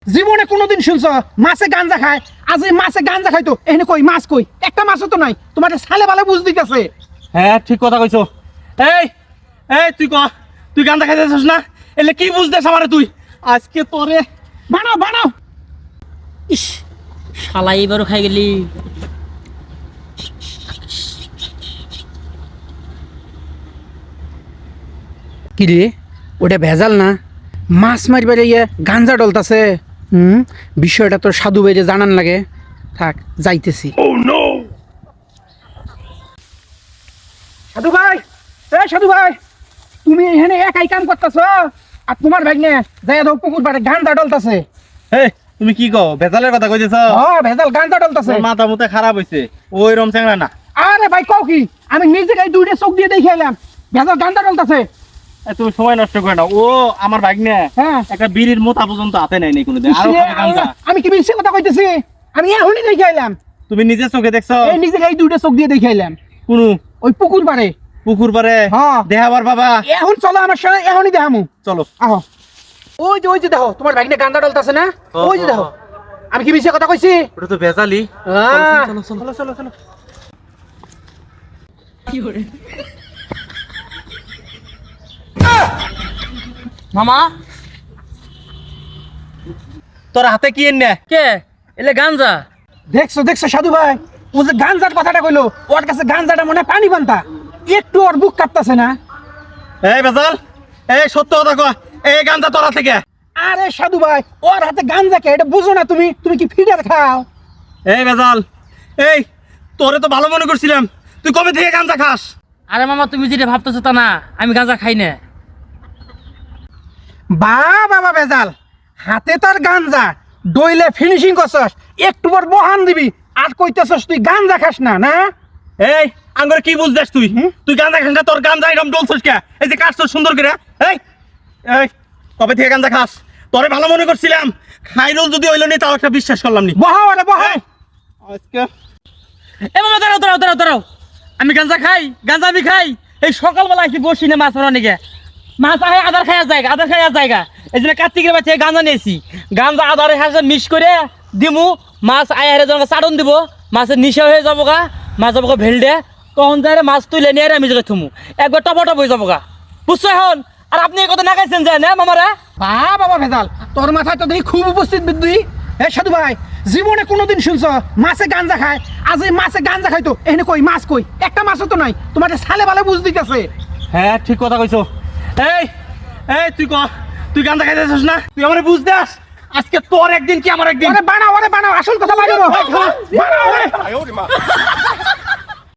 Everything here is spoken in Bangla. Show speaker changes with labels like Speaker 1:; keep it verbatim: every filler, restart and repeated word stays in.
Speaker 1: জীবনে কোনোদিন শুনছ মাছে গাঞ্জা খায়? আজ এই মাছে গাঞ্জা খাইতো এখানে কই মাছ কই? একটা মাছও তো নাই। তোমার সালে বালে বুঝ দিতেছে।
Speaker 2: হ্যাঁ ঠিক কথা কইছো। এই এই তুই ক তুই গাঞ্জা খাইতেছিস না? এলে কি বুঝতেছ আমারে তুই? আজকে তোরে
Speaker 1: বানাও বানাও।
Speaker 3: ইস শালা এবারও খাই গেলি।
Speaker 1: কি রে ওটা ভেজাল না? মাছ মারিবার ইয়ে গাঞ্জা ডলতাছে। হুম, বিষয়টা তো সাধু বাইরে জানান লাগে। থাক যাইতেছি। সাধু ভাই, এ সাধু ভাই, তুমি এখানে একাই কাম করতেছ আর তোমার ভাই নে যাই দাও পুকুর পাড়ে গাঞ্জা ডলতাছে।
Speaker 2: এই তুমি কি কও? ভেজালের কথা কইতেছ?
Speaker 1: হ্যাঁ ভেজাল গাঞ্জা ডলতাছে।
Speaker 2: তোর মাথা মুথা খারাপ হইছে। ওই রম চ্যাংড়া না।
Speaker 1: আরে ভাই কও কি? আমি নিজে গাই দুইটা চোখ দিয়ে দেখে এলাম ভেজাল গাঞ্জা ডলতাছে।
Speaker 2: এই তুমি সময় নষ্ট করে না। ও আমার ভাগ্নে
Speaker 1: হ্যাঁ
Speaker 2: একটা বিড়ির মোতা পর্যন্ত হাতে নাই নাই কোনোদিন। আর
Speaker 1: ইসরে, আমি কি মিছে কথা কইতেছি? আমি এখনই দেখে এলাম।
Speaker 2: তুমি নিজে চোখে দেখছো?
Speaker 1: এই নিজে গাই দুইটা চোখ দিয়ে দেখে এলাম
Speaker 2: কোন
Speaker 1: ওই পুকুর পাড়ে।
Speaker 2: পুকুর পারে?
Speaker 1: হ্যাঁ
Speaker 2: দেখাবার বাবা।
Speaker 1: এখন চলো আমার সাথে, এখনই দেখামু।
Speaker 2: চলো
Speaker 1: আহ ওই যে ওই যে দেখো তোমার ভাগ্নে গাঞ্জা ডলতাছে না? ওই যে দেখো। আমি কি মিছে কথা কইছি?
Speaker 2: ওটা তো ভেজালি।
Speaker 1: আহ,
Speaker 2: চলো চলো চলো চলো।
Speaker 3: মামা
Speaker 2: তোর হাতে কি এনে?
Speaker 3: কে এলে গাঞ্জা?
Speaker 1: দেখছো দেখছো সাধু ভাই, ও যে গাঞ্জার কথাটা কইলো, ওর কাছে গাঞ্জাটা মনে হয় পানি পান্তা। একটু ওর বুক কাঁপতাছে না?
Speaker 2: এই ভেজাল, এই সত্য কথা কয়, এই গাঞ্জা তোরা থেকে?
Speaker 1: আরে সাধু ভাই, ওর হাতে গাঞ্জা কে এটা বুঝো না তুমি? তুমি কি ফিডার খাও?
Speaker 2: এই ভেজাল, এই তোরে তো ভালো মনে করছিলাম, তুই কবে থেকে গাঞ্জা খাস?
Speaker 3: আরে মামা তুমি যেটা ভাবতেছো তা না, আমি গাঞ্জা খাই না।
Speaker 1: বা বাবা ভেজাল, হাতে তোর গাঞ্জা, ডইলে ফিনিশিং করছস, একটু পর বহান দিবি আর কইতেছস তুই গাঞ্জা খাস না না?
Speaker 2: এই আঙ্গরে কি বুঝছিস তুই? তুই গাঞ্জা খাস না? তোর গাঞ্জা এরকম ডলছস কে? এই যে কাটছস সুন্দর করে। এই এই কবে থেকে গাঞ্জা খাস? তোরে ভালো মনে করছিলাম, খাইরুল যদি হইল নি তাও একটা বিশ্বাস করলাম নি।
Speaker 1: বহাও আরে বহাও।
Speaker 2: আজকে
Speaker 3: এ মামা দাঁড়াও দাঁড়াও দাঁড়াও দাঁড়াও, আমি গাঞ্জা খাই? গাঞ্জা আমি খাই? এই সকালবেলা আসি বসি না মাছ মারা নিকে, মাছ আহে আদার খাইয়া জায়গা, আদার খাইয়া জায়গা। এই জন্য কার্তিকের বাচ্চা গাঞ্জা নিয়েছি। গাঞ্জা আদারের সাথে মিক্স করে দিমু, মাছ আয় হারে যখন চাটন দিব, মাছের নিশা হয়ে যাবো গা, মাছ যাবো গা ভেলডে, তখন যাই মাছ তুলে নিয়ে আমি জায়গায় থুমু, একবার টপ টপ হয়ে যাবো গা। বুঝছো এখন? আর আপনি এই কথা না খাইছেন যায় না মামারা?
Speaker 1: বা বাবা ভেজাল, তোর মাথায় তো দেখি খুব উপস্থিত বুদ্ধি। এ সাধু ভাই, জীবনে কোনোদিন শুনছ মাছে গাঞ্জা খায়? আজ এই মাছে গাঞ্জা খাইতো এখানে কই মাছ কই? একটা মাছও তো নাই। তোমার সালে বালে বুঝ দিতেছে।
Speaker 2: হ্যাঁ ঠিক কথা কইছো। এই এই তুই ক তুই গাঞ্জা খাইতেছিস না? তুই আমারে বুঝ দাস, আজকে তোর একদিন কি আমার একদিন।
Speaker 1: ওরে বানাও, ওরে বানাও, আসল কথা বানাও। বানাও, ওরে।